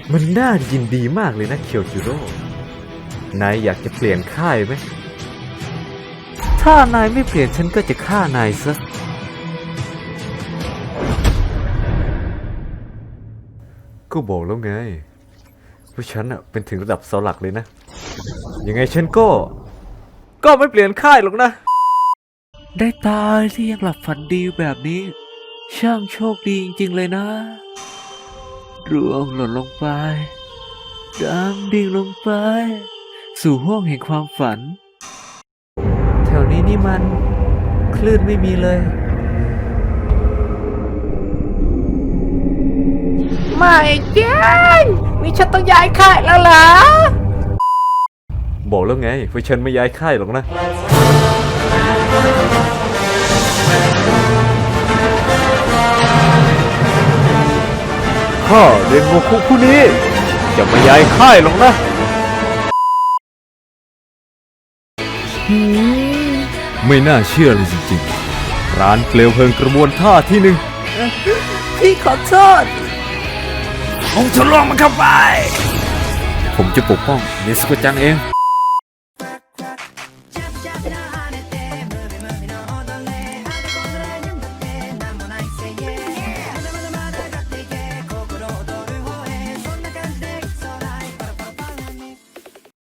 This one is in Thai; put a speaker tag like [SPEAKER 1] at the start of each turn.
[SPEAKER 1] มันน่ายินดีมากเลยนะเคียวจิโร่นายอยากจะเปลี่ยนค่ายไหมถ้านายไม่เปลี่ยนฉันก็จะฆ่านายซะก็บอกแล้วไงว่าฉันเป็นถึงระดับเสาหลักเลยนะยังไงฉันก็ไม่เปลี่ยนค่ายหรอกนะได้ตายที่ยังหลับฝันดีแบบนี้ช่างโชคดีจริงๆเลยนะร่วงหล่นลงไปดำดิ่งลงไปสู่ห้วงแห่งความฝันแถวนี้นี่มันคลื่นไม่มีเลย
[SPEAKER 2] ไม่จริงมีฉันต้องย้ายค่ายแล้วเหรอ
[SPEAKER 1] บอกแล้วไงว่าฉันไม่ย้ายค่ายหรอกนะข้าเรียนโมคุผู้นี้จะไม่ย้ายค่ายหรอกนะไม่น่าเชื่อเลยจริงๆร้านเปลวเพลิงกระบวนท่าที่หนึ่ง
[SPEAKER 2] พี่ขอโทษผมจะลองมันเข้าไป
[SPEAKER 1] ผมจะปกป้องเนสโกจังเอง